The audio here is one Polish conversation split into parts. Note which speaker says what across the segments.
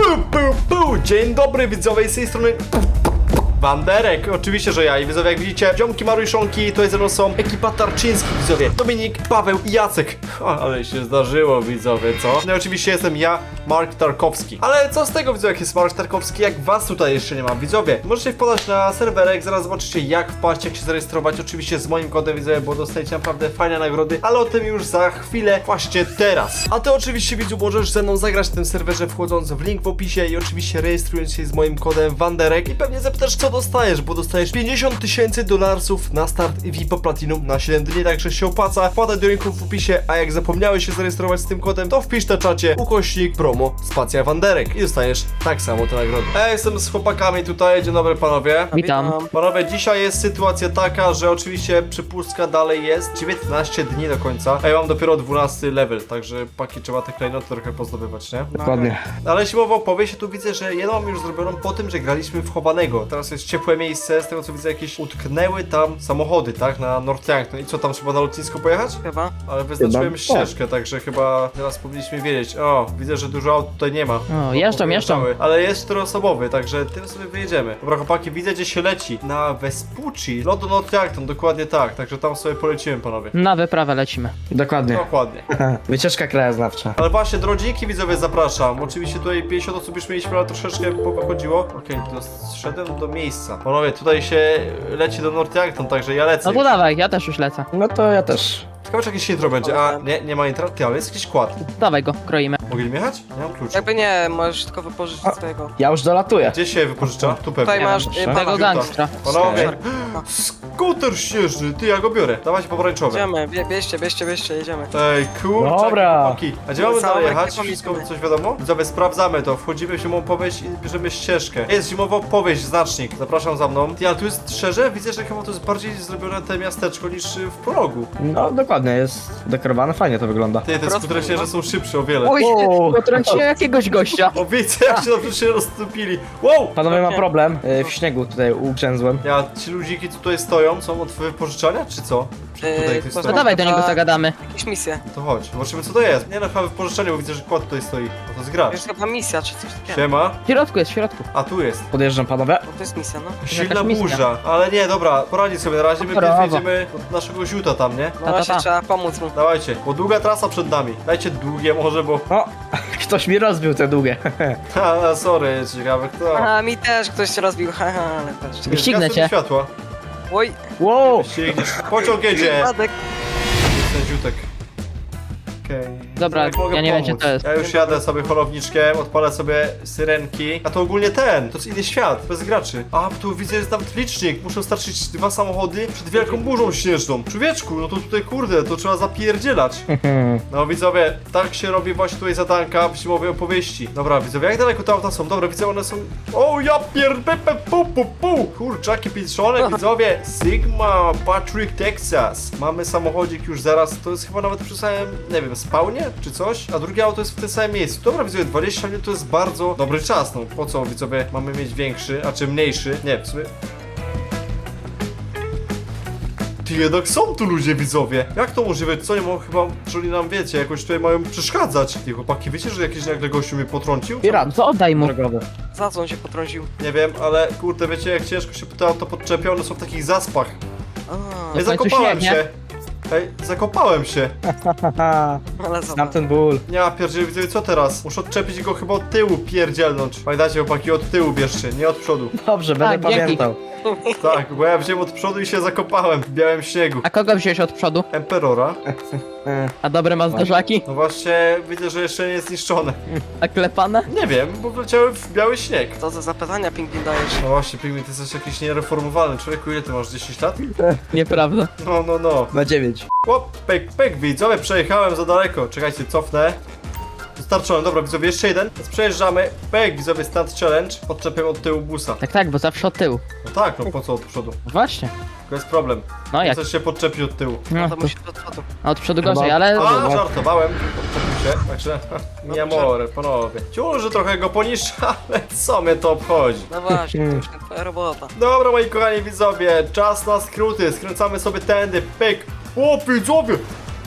Speaker 1: Dzień dobry widzowie, z tej strony Wanderek, oczywiście, że ja. I widzowie, jak widzicie, ziomki Maruszonki, to jest ze mną są ekipa Tarczyński, widzowie, Dominik, Paweł i Jacek. Ale się zdarzyło, widzowie, co? No i oczywiście jestem ja, Mark Tarkowski. Ale co z tego, widzowie, jak jest Mark Tarkowski, jak was tutaj jeszcze nie ma, widzowie? Możecie wpadać na serwerek, zaraz zobaczycie jak wpaść, jak się zarejestrować, oczywiście z moim kodem, widzowie, bo dostajecie naprawdę fajne nagrody, ale o tym już za chwilę, właśnie teraz. A ty oczywiście, widzu, możesz ze mną zagrać w tym serwerze, wchodząc w link w opisie i oczywiście rejestrując się z moim kodem Wanderek i pewnie zapytasz, co dostajesz, bo dostajesz $50,000 na start VIP Platinum na 7 dni, także się opłaca. Wpadaj do linku w opisie, a jak zapomniałeś się zarejestrować z tym kodem, to wpisz na czacie ukośnik promo spacja Wanderek i dostaniesz tak samo te nagrody. Jestem z chłopakami tutaj, dzień dobry panowie.
Speaker 2: Witam.
Speaker 1: Panowie, dzisiaj jest sytuacja taka, że oczywiście przepustka dalej jest 19 dni do końca, a ja mam dopiero 12 level, także paki trzeba te klejnoty trochę pozdobywać, nie?
Speaker 2: Dokładnie.
Speaker 1: Ale jeśli mowa o powieści, tu widzę, że jedną mam już zrobioną po tym, że graliśmy w chowanego. Teraz jest ciepłe miejsce, z tego co widzę jakieś utknęły tam samochody, tak? Na North. No i co, tam trzeba na lotnisko pojechać?
Speaker 3: Chyba.
Speaker 1: Ale wyznaczyłem
Speaker 2: Chyba,
Speaker 1: ścieżkę, także chyba teraz powinniśmy wiedzieć. O, widzę, że dużo aut tutaj nie ma.
Speaker 2: O, jeżdżą.
Speaker 1: Ale jest czteroosobowy, także tym sobie wyjedziemy. Dobra chłopaki, widzę gdzie się leci. Na Vespucci. Lot do Northampton, dokładnie tak. Także tam sobie polecimy panowie.
Speaker 2: Na wyprawę lecimy.
Speaker 3: Dokładnie.
Speaker 1: Dokładnie.
Speaker 3: Wycieczka krajoznawcza.
Speaker 1: Ale właśnie, drodziki widzowie, zapraszam. Oczywiście tutaj 50 osób już mieliśmy, ale troszeczkę pochodziło. Okej, doszedłem do miejsca. Panowie, tutaj się leci do Northampton, także ja lecę.
Speaker 2: No to dawaj, ja też już lecę.
Speaker 3: No to ja też.
Speaker 1: Ciekawe, czy jakieś intro będzie. A, nie ma intra? Ty, ale jest jakiś kład.
Speaker 2: Dawaj go, kroimy.
Speaker 1: Mogli jechać? Nie mam klucz.
Speaker 3: Jakby nie, możesz tylko wypożyczyć swojego.
Speaker 4: Ja już dolatuję.
Speaker 1: Gdzie się wypożycza? Tu pewnie.
Speaker 3: Tutaj masz
Speaker 4: proszę.
Speaker 2: Tego
Speaker 3: pana.
Speaker 2: gangstra.
Speaker 1: Panowie, skuter śnieżny, ty, ja go biorę. Dawajcie pomarańczowe.
Speaker 3: Jedziemy, bierzcie, jedziemy.
Speaker 1: Ej, kurczę,
Speaker 4: Dobra.
Speaker 1: chłopaki. A gdzie mamy dalej
Speaker 3: Zamek,
Speaker 1: jechać?
Speaker 3: jaką
Speaker 1: Wszystko
Speaker 3: jedziemy?
Speaker 1: coś wiadomo? Widzowie, sprawdzamy to. Wchodzimy w zimową opowieść i bierzemy ścieżkę. Jest zimowa opowieść, znacznik. Zapraszam za mną. Ty, ale tu jest szczerze? Widzę, że chyba to jest bardziej zrobione te miasteczko niż w prologu.
Speaker 4: No dokładnie, jest dekorowane, fajnie to wygląda.
Speaker 1: Ty, te
Speaker 3: Prosto,
Speaker 1: skutery śnieżne są szybsze o wiele.
Speaker 3: Oj,
Speaker 4: Wow.
Speaker 2: Potrąciłem jakiegoś gościa.
Speaker 1: O, widzę, jak się dobrze się rozstąpili. Wow!
Speaker 4: Panowie, ma problem, w śniegu tutaj ugrzęzłem.
Speaker 1: Ja, ci ludziki co tutaj stoją, są od wypożyczania, czy co? Tutaj ktoś
Speaker 2: No
Speaker 1: stoi?
Speaker 2: dawaj do niego zagadamy.
Speaker 3: jakieś misje.
Speaker 1: To chodź, zobaczymy co to jest. Nie no, chyba wypożyczanie, bo widzę, że kład tutaj stoi. No to jest gracz.
Speaker 3: Jest chyba misja, czy coś takiego.
Speaker 1: Siema.
Speaker 2: W środku jest, w środku.
Speaker 1: A tu jest.
Speaker 4: Podjeżdżam, panowie.
Speaker 3: No to jest misja, no.
Speaker 1: Silna
Speaker 2: misja.
Speaker 1: burza. Ale nie, dobra, poradzi sobie na razie. My
Speaker 2: Brawo.
Speaker 1: pierw jedziemy od naszego ziuta tam, nie?
Speaker 3: No
Speaker 2: Ta.
Speaker 3: właśnie trzeba pomóc mu.
Speaker 1: Dawajcie, bo długa trasa przed nami. Dajcie długie może, bo...
Speaker 4: O, ktoś mi rozbił te długie.
Speaker 1: Ha, sorry, ciekawe kto.
Speaker 3: Aha, mi też ktoś się rozbił, haha, ale też.
Speaker 2: Wyścignę
Speaker 1: Zgasły mi
Speaker 2: cię.
Speaker 1: światła.
Speaker 3: Oj,
Speaker 4: Wow,
Speaker 1: Ścigniesz. Pociąg jedzie.
Speaker 3: wypadek.
Speaker 1: Ten ziutek. Okej.
Speaker 2: Dobra,
Speaker 1: Jak mogę
Speaker 2: ja nie wiem,
Speaker 1: pomóc?
Speaker 2: gdzie to jest.
Speaker 1: Ja już jadę sobie holowniczkiem, odpalę sobie syrenki. A to ogólnie ten, to jest inny świat, bez graczy. A, tu widzę, jest nawet licznik. Muszę starczyć 2 samochody przed wielką burzą śnieżną. Człowieczku, no to tutaj kurde, to trzeba zapierdzielać. No widzowie, tak się robi właśnie tutaj zadanka w zimowej opowieści. Dobra, widzowie, jak daleko te auta są? Dobra, widzę, one są... O, ja pu. Kurczaki pieczone, widzowie. Sigma, Patrick, Texas. Mamy samochodzik już zaraz, to jest chyba nawet przy samym, nie wiem, spawnie czy coś, a drugie auto jest w tym samym miejscu. Dobra, widzowie, 20 minut to jest bardzo dobry czas, no po co, widzowie, mamy mieć większy, a czy mniejszy? Nie, w sumie... Ty, jednak są tu ludzie, widzowie. Jak to możliwe? Co nie mogą chyba, czyli nam wiecie, jakoś tutaj mają przeszkadzać. Ty, chłopaki, wiecie, że jakiś nagle gościu mnie potrącił?
Speaker 4: pirat
Speaker 2: To oddaj mu.
Speaker 4: drogowy.
Speaker 3: Za co on się potrącił?
Speaker 1: Nie wiem, ale kurde, wiecie, jak ciężko się te auto podczepią, one są w takich zaspach.
Speaker 3: A,
Speaker 1: Ej,
Speaker 2: w końcu
Speaker 1: zakopałem
Speaker 2: śnieg, nie?
Speaker 1: się. Ej, zakopałem się.
Speaker 3: ale
Speaker 4: Znam
Speaker 3: zobacz.
Speaker 4: ten ból.
Speaker 1: Ja pierdzielę, widzowie, co teraz? Muszę odczepić go chyba od tyłu, pierdzielnąć. Pamiętajcie, chłopaki, od tyłu bierzcie, nie od przodu.
Speaker 4: Dobrze, będę
Speaker 2: Tak, dzięki.
Speaker 4: pamiętał.
Speaker 1: Tak, bo ja wziąłem od przodu i się zakopałem w białym śniegu.
Speaker 2: A kogo wziąłeś od przodu?
Speaker 1: Emperora.
Speaker 2: A dobre ma zderzaki?
Speaker 1: No właśnie, widzę, że jeszcze nie jest zniszczone.
Speaker 2: A klepane?
Speaker 1: Nie wiem, bo wleciały w biały śnieg.
Speaker 3: Co to za pytania, pingwin, dajesz?
Speaker 1: No właśnie, Pigmin, ty jesteś jakiś niereformowany. Człowieku, ile ty masz? 10 lat?
Speaker 2: Nieprawda.
Speaker 1: No.
Speaker 4: Na 9.
Speaker 1: Chłop, pek, widzowie, przejechałem za daleko. Czekajcie, cofnę. Dostarczone, dobra, widzowie, jeszcze jeden. Więc przejeżdżamy. Pek, widzowie, stand challenge. Podczepiam od tyłu busa.
Speaker 2: Tak, bo zawsze od tyłu.
Speaker 1: No tak, no po co od przodu?
Speaker 2: Właśnie.
Speaker 1: To jest problem.
Speaker 2: No jak?
Speaker 1: Chcesz się podczepić od tyłu.
Speaker 2: No,
Speaker 3: To musi do przodu.
Speaker 2: od przodu gorzej, ale...
Speaker 1: A, żartowałem. Podczepił się, także... Nie more, panowie. Ciul, trochę go poniższa, ale co mnie to obchodzi?
Speaker 3: No właśnie, to już nie twoja robota.
Speaker 1: Dobra, moi kochani widzowie, czas na skróty. Skręcamy sobie tędy, pyk. O, widzowie!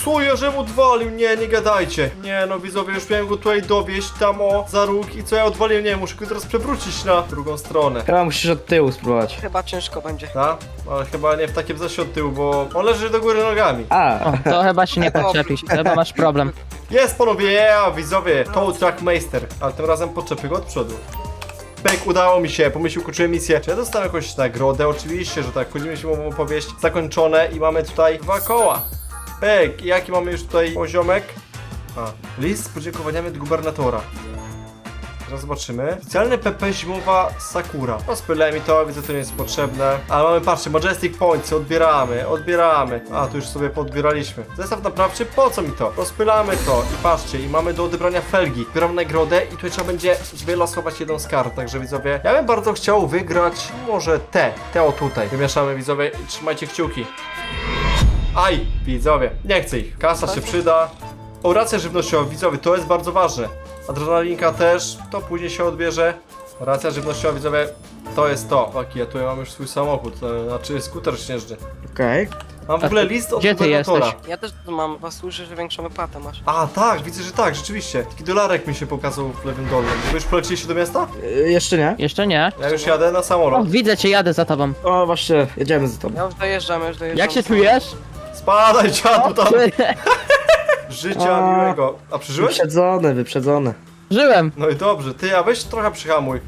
Speaker 1: Co ja żem odwalił? Nie, nie gadajcie. Nie no widzowie, już miałem go tutaj dowieść tam o za róg i co ja odwaliłem? Nie, muszę go teraz przewrócić na drugą stronę.
Speaker 4: Chyba musisz od tyłu spróbować.
Speaker 3: Chyba ciężko będzie.
Speaker 1: Tak? Ale chyba nie w takim zasie od tyłu, bo on leży do góry nogami.
Speaker 4: A,
Speaker 2: O, to chyba się nie podczepisz, to chyba masz problem.
Speaker 1: Jest panowie, yeah, widzowie, Tow Truck Meister, ale tym razem podczepię go od przodu. Pyk, udało mi się, pomyślił, ukończyłem misję. Czy ja dostałem jakąś nagrodę? Oczywiście, że tak, wchodzimy się w opowieść zakończone i mamy tutaj 2 koła. Pyk, jaki mamy już tutaj poziomek? List z podziękowaniami od gubernatora. Teraz zobaczymy. Specjalny PP zimowa Sakura. Rozpylę mi to, widzę, to nie jest potrzebne. Ale mamy, patrzcie, Majestic Points, odbieramy. A, tu już sobie podbieraliśmy. Zestaw naprawczy, po co mi to? Rozpylamy to i patrzcie, i mamy do odebrania felgi. Zbieram nagrodę i tutaj trzeba będzie wylosować jedną z kart, także widzowie, ja bym bardzo chciał wygrać może te o tutaj. Wymieszamy, widzowie, i trzymajcie kciuki. Aj, widzowie, nie chcę ich. Kasa się przyda. O, racja żywnościowa, widzowie, to jest bardzo ważne. Adrenalinka też, to później się odbierze. Racja żywnościowa, widzowie, to jest to. Taki, ja tutaj mam już swój samochód, to znaczy skuter śnieżny.
Speaker 4: okej.
Speaker 1: Mam w ogóle list od
Speaker 2: Gdzie ty
Speaker 1: gubernatora.
Speaker 2: jesteś?
Speaker 3: Ja też mam, was słyszę, że większą wypłatę masz.
Speaker 1: A, tak, widzę, że tak, rzeczywiście. Taki dolarek mi się pokazał w lewym dolnym. Wy już poleciliście do miasta?
Speaker 4: Jeszcze nie?
Speaker 2: Jeszcze nie.
Speaker 1: Ja już jadę na
Speaker 2: O,
Speaker 1: samolot.
Speaker 2: widzę cię, jadę za tobą.
Speaker 4: O, właśnie, jedziemy za tobą.
Speaker 3: Ja już dojeżdżam.
Speaker 2: Jak się czujesz?
Speaker 1: Spadaj, dziadu tam! Życia miłego. A przeżyłeś?
Speaker 4: Wyprzedzone.
Speaker 2: Żyłem.
Speaker 1: No i dobrze, ty, a weź trochę przyhamuj.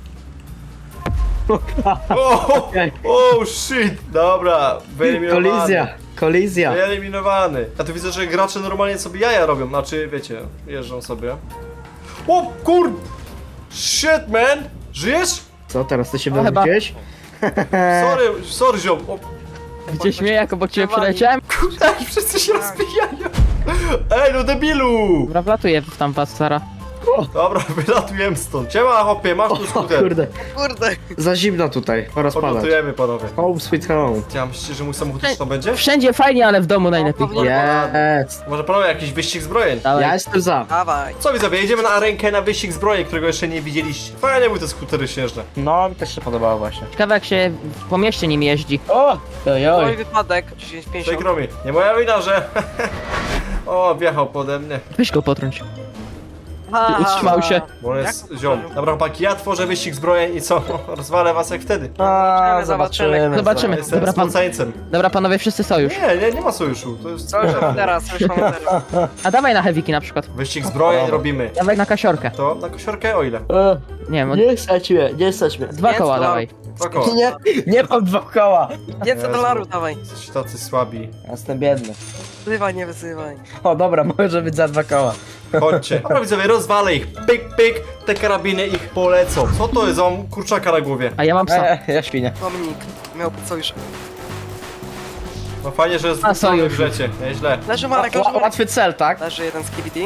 Speaker 1: O, shit! Dobra, wyeliminowany.
Speaker 4: Kolizja.
Speaker 1: Wyeliminowany. Ja tu widzę, że gracze normalnie sobie jaja robią, znaczy, wiecie, jeżdżą sobie. O, kur... Shit, man! Żyjesz?
Speaker 4: Co, teraz ty się
Speaker 2: No, chyba.
Speaker 4: wywróciłeś?
Speaker 1: Sorry, ziom. O,
Speaker 2: Gdzie śmieję, jak obok ciebie przeleciałem?
Speaker 1: kurde, wszyscy się rozbijają. Ej, no debilu!
Speaker 2: Dobra, wlatuję tam was, Sara.
Speaker 1: Dobra, wylatujemy stąd. Siema, hopie, masz tu
Speaker 4: O
Speaker 1: skuter.
Speaker 4: kurde,
Speaker 3: Kurde.
Speaker 4: za zimno tutaj, pora spadać.
Speaker 1: Podlatujemy, panowie.
Speaker 4: Home sweet home.
Speaker 1: Ja myślicie, że mój samochód też tam będzie?
Speaker 2: Wszędzie fajnie, ale w domu najlepiej.
Speaker 4: Jest.
Speaker 1: Może panowie jakiś wyścig zbrojeń?
Speaker 2: Dawaj.
Speaker 4: Ja jestem za.
Speaker 3: Dawaj.
Speaker 1: Co widzowie, jedziemy na arenkę na wyścig zbrojeń, którego jeszcze nie widzieliście. Fajnie były te skutery śnieżne.
Speaker 4: No, mi też się podobało właśnie.
Speaker 2: Ciekawe jak się po mieście nim jeździ.
Speaker 4: O!
Speaker 3: Mój wypadek. 10,50.
Speaker 1: Przykro mi. Nie moja wina, że... O, wjechał pode mnie.
Speaker 2: Weź go potrąć.
Speaker 3: Ha,
Speaker 2: Utrzymał się.
Speaker 1: Bo on jest ziom. Dobra, chłopaki, ja tworzę wyścig zbrojeń i co? Rozwalę was jak wtedy.
Speaker 4: A,
Speaker 3: Zobaczymy.
Speaker 2: Zobaczymy.
Speaker 1: Jestem
Speaker 2: Dobra, pan.
Speaker 1: spoceńcem.
Speaker 2: Dobra, panowie, wszyscy sojusz.
Speaker 1: Nie ma sojuszu. To jest...
Speaker 3: Co już teraz, już mamy teraz.
Speaker 2: A dawaj na heaviki na przykład.
Speaker 1: Wyścig zbrojeń robimy.
Speaker 2: Dawaj na kasiorkę.
Speaker 1: To na kosiorkę o ile?
Speaker 2: Nie wiem,
Speaker 4: Nie stać mnie, nie stać mnie.
Speaker 2: 2 koła
Speaker 3: Więc, no.
Speaker 2: dawaj.
Speaker 1: 2 koła.
Speaker 4: Nie mam 2 koła.
Speaker 3: $500 dawaj.
Speaker 1: Jesteście tacy słabi.
Speaker 4: Jestem biedny.
Speaker 3: Wyzywaj, nie wyzywaj.
Speaker 4: O dobra, może być za 2 koła.
Speaker 1: Chodźcie. Dobra widzowie, rozwalę ich. Pyk, pyk. Te karabiny ich polecą. Co to jest? Mam kurczaka na głowie.
Speaker 2: A ja mam psa.
Speaker 4: Ja świnię.
Speaker 3: Dominik miał być sojusz.
Speaker 1: No fajnie, że jest
Speaker 2: A,
Speaker 1: wrzucony w
Speaker 2: sojusz.
Speaker 1: rzecie. Nieźle.
Speaker 3: Leży Marek, leży Marek.
Speaker 4: Łatwy cel, tak?
Speaker 3: Leży jeden z KBD.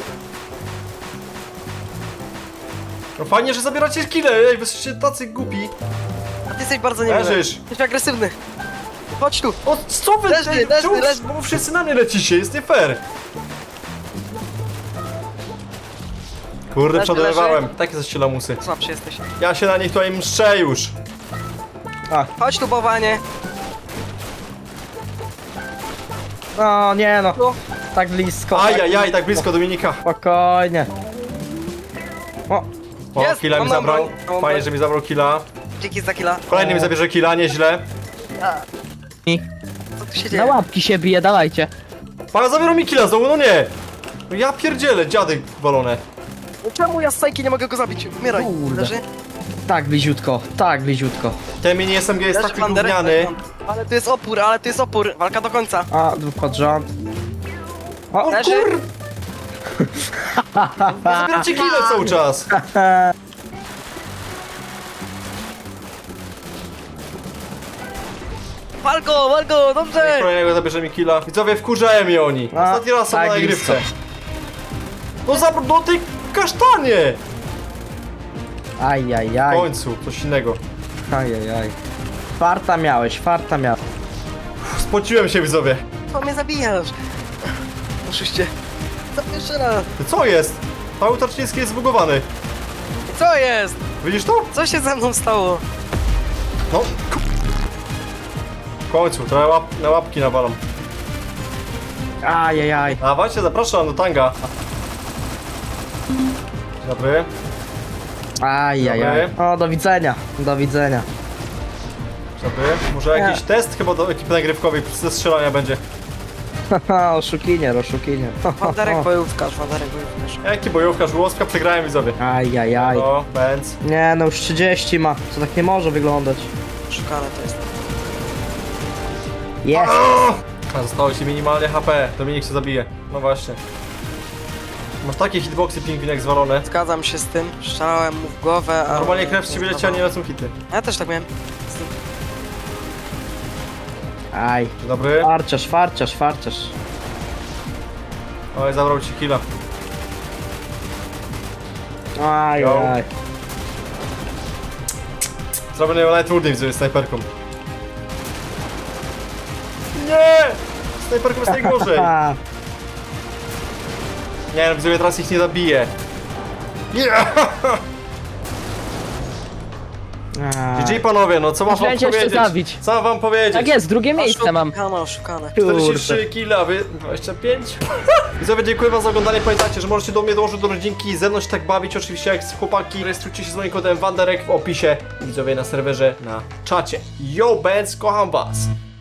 Speaker 1: No fajnie, że zabieracie kile. Ej, wy jesteście tacy głupi.
Speaker 3: A ty jesteś bardzo niemiły.
Speaker 1: Leżysz.
Speaker 3: Jesteś agresywny. Chodź tu.
Speaker 1: O, co wy?
Speaker 3: Leży,
Speaker 1: Ej,
Speaker 3: leży,
Speaker 1: czemu
Speaker 3: leży.
Speaker 1: bo wszyscy na mnie lecicie? Jest nie fair. Kurde,
Speaker 3: Leży,
Speaker 1: przeładowywałem. Takie zaście lamusy.
Speaker 3: Słabszy jesteś.
Speaker 1: Ja się na nich tutaj mszczę już.
Speaker 3: Chodź tu, bałwanie.
Speaker 4: No nie no,
Speaker 3: No.
Speaker 4: tak blisko.
Speaker 1: Ajajaj, tak blisko Dominika.
Speaker 4: Spokojnie. O,
Speaker 1: O,
Speaker 3: Jest,
Speaker 1: killa mi
Speaker 3: mam
Speaker 1: zabrał.
Speaker 3: broń, mam
Speaker 1: Fajnie,
Speaker 3: broń.
Speaker 1: że mi zabrał killa.
Speaker 3: Dzięki za killa.
Speaker 1: Kolejny mi zabierze killa, nieźle.
Speaker 3: Co tu się
Speaker 2: Na
Speaker 3: dzieje?
Speaker 2: łapki się bije, dawajcie.
Speaker 1: Pana zabierał mi killa znowu, no nie. No ja pierdzielę, dziadek walone.
Speaker 3: No czemu ja z sajki nie mogę go zabić? Umieraj.
Speaker 4: Kurde.
Speaker 3: Leży?
Speaker 4: tak bliziutko, tak bliziutko.
Speaker 1: Ten mini SMG jest
Speaker 3: Leży
Speaker 1: taki
Speaker 3: Wanderek,
Speaker 1: gówniany.
Speaker 3: Ale tu jest opór, ale tu jest opór. Walka do końca.
Speaker 4: A, 2 pod rząd. O,
Speaker 3: Leży?
Speaker 1: Zabieracie killa cały czas.
Speaker 3: Walgo, dobrze!
Speaker 1: Kolejnego zabierze mi killa. Widzowie, wkurzają mnie oni.
Speaker 4: A,
Speaker 1: Ostatni raz są
Speaker 4: tak
Speaker 1: na nagrywce.
Speaker 4: blisko.
Speaker 1: No zabrał do tej kasztanie. W
Speaker 4: Ajajaj,
Speaker 1: końcu, coś innego.
Speaker 4: ajajaj. Farta miałeś, farta miałeś.
Speaker 1: Spociłem się, widzowie.
Speaker 3: Co mnie zabijasz? Oszuście. Co jeszcze raz?
Speaker 1: Ty, co jest? Paweł Tarczyński jest zbugowany.
Speaker 3: Co jest?
Speaker 1: Widzisz to?
Speaker 3: Co się ze mną stało?
Speaker 1: No. W końcu, trochę na łapki nawalam.
Speaker 4: Ajajaj.
Speaker 1: Dawajcie, zapraszam do tanga. Dzień dobry.
Speaker 4: Ajajaj. O, do widzenia. Do widzenia.
Speaker 1: Dzień dobry. Może jakiś test chyba do ekipy nagrywkowej ze strzelania będzie.
Speaker 4: Haha, oszukinier, oszukinier.
Speaker 3: Wanderek bojówkarz, Wanderek bojówkarz.
Speaker 1: Jaki bojówkarz, Łoska, przegrałem widzowie.
Speaker 4: Ajajaj.
Speaker 1: O, Benz.
Speaker 4: Nie, no już 30 ma. To tak nie może wyglądać.
Speaker 3: Szukane to jest.
Speaker 4: Jest.
Speaker 1: A zostało ci minimalnie HP. Dominik się zabije. No właśnie. Masz takie hitboxy pingwinek zwalone.
Speaker 3: Zgadzam się z tym, strzelałem mu w głowę, a...
Speaker 1: Normalnie krew z ciebie leci, a nie lecą hity.
Speaker 3: Ja też tak miałem. Z tym.
Speaker 4: Aj.
Speaker 1: Dzień dobry.
Speaker 4: Farciarz, farciarz, farciarz.
Speaker 1: Oj, zabrał ci killa.
Speaker 4: Ajajaj.
Speaker 1: Zrobię najtrudniej widzowie snajperką. Nie! Snajperką jest najgorzej.
Speaker 4: Ha.
Speaker 1: Nie no, widzowie, teraz ich nie zabiję. Yeah! GG panowie, no co mam wam
Speaker 2: Będzie jeszcze
Speaker 1: powiedzieć?
Speaker 2: zabić.
Speaker 1: Co mam wam powiedzieć?
Speaker 2: Tak jest, drugie miejsce mam.
Speaker 3: Oszukane.
Speaker 1: 43 killa, wy 25. Widzowie, dziękuję wam za oglądanie. Pamiętajcie, że możecie do mnie dołożyć do rodzinki i ze mną się tak bawić, oczywiście jak z chłopaki. Rejestrujcie się z moim kodem Wanderek w opisie. Widzowie na serwerze, na czacie. Yo, Benz, kocham was.